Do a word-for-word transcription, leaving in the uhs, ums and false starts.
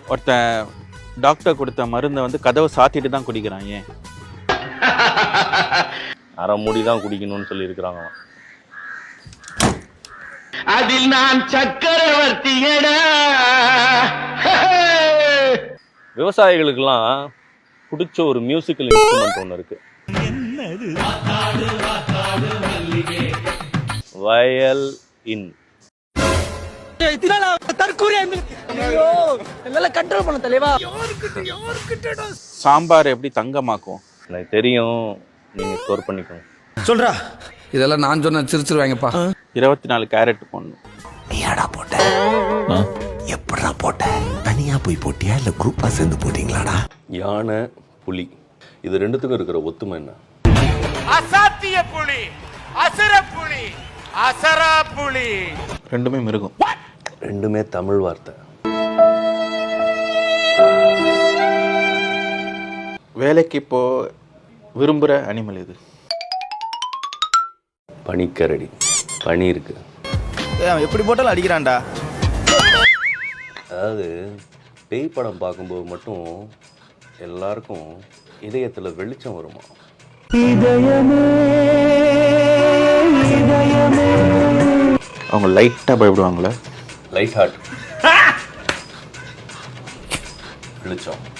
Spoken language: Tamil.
ஒருத்தன் டாக்டர் கொடுத்த மருந்தை வந்து கதவை சாத்திட்டு தான் குடிக்கிறான். ஏன்? அரை மூடி தான் குடிக்கணும்னு சொல்லி இருக்கிறாங்க. அதில் நான் சக்கரவர்த்தியடா. விவசாயிகளுக்கெல்லாம் பிடிச்ச ஒரு மியூசிக்கல் இன்ஸ்ட்ருமெண்ட் ஒன்று இருக்கு. வயல் இன். சாம்பார் எப்படி தங்கமாக்கும்? எனக்கு தெரியும், நீங்க ஸ்டோர் பண்ணிக்கோங்க. சொல்றா, இதெல்லாம் நான் சொன்ன சிரிச்சிருவாங்கப்பா. இருபத்தி நாலு கேரட் போடணும். நீயாடா போட்ட? எப்படா போட்ட? தனியா போய் போட்டியா இல்ல குரூப்பா சேர்ந்து போட்டீங்களாடா? யானை புலி இது ரெண்டுத்துக்கும் இருக்கிற ஒத்துமை என்ன? அசாத்திய புலி, அசர புலி, அசரா புலி. ரெண்டுமே மிருகம். ரெண்டுமே தமிழ் வார்த்தை. வேலைக்கு இப்போ விரும்புகிற அனிமல் எது? பனிக்கரடி. பனி இருக்கு. எப்படி போட்டாலும் அடிக்கிறான்டா. அதாவது பேய் படம் பார்க்கும்போது மட்டும் எல்லாருக்கும் இதயத்துல வெளிச்சம் வருமா? அவங்க லைட்டாக பயப்படுவாங்களே. லைட் ஹார்ட் வெளிச்சம்.